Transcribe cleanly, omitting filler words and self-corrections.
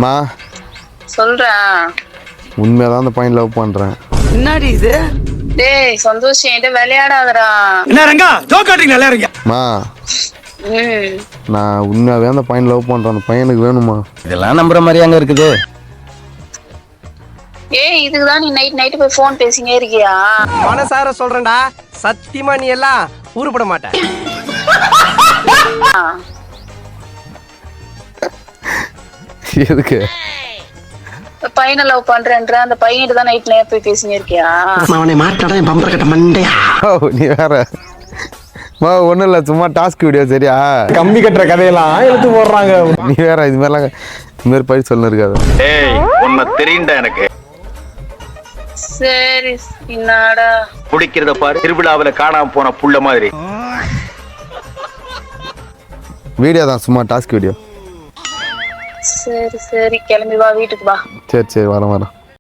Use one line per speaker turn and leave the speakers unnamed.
மா
சொல்றேன்.
உண்மையாதான் அந்த பையன் லவ் பண்றேன்.
என்னடி இது?
டேய் சந்தோஷ் என்கிட்ட விளையாடாதடா.
என்ன ரங்கா ஜோக்காட்டிங் நல்லா இருக்கீங்க.
மா
ம்
நான் உண்மையாவே அந்த பையன் லவ் பண்றேன். அந்த பையனுக்கு வேணுமா?
இதெல்லாம் நம்புற மாதிரி அங்க இருக்குது.
ஏய் இதுக்குதான் நீ நைட் போய் ஃபோன் பேசினே இருக்கியா?
மனசார சொல்றேன்டா, சத்தியமா நீ எல்லாம் ஊருப்பட மாட்ட.
எதுக்கு?
பையனை லவ் பண்றேன்ற அந்த பையன்கிட்ட தான் நைட்ல போய் பேசினே இருக்கியா?
அவனை மாட்டாடா என் பம்பர கட்ட மண்டையா.
ஓ நீ வேற மா ஒன்றும் இல்லை, சும்மா டாஸ்க் வீடியோ சரியா?
கம்பி கட்டுற கதையெல்லாம் எடுத்து போடுறாங்க.
நீ வேற இது மாதிரி பயிர் சொல்ல இருக்காது.
ஏய் உன்னை தெரியும்டா எனக்கு.
சரி என்னடா
குடிக்கிறத பாரு, திருவிழாவில காணாம போன புள்ள மாதிரி.
வீடியோ தான், சும்மா டாஸ்க் வீடியோ.
சரி கிளம்பி வா வீட்டுக்கு வா.
சரி வரேன்.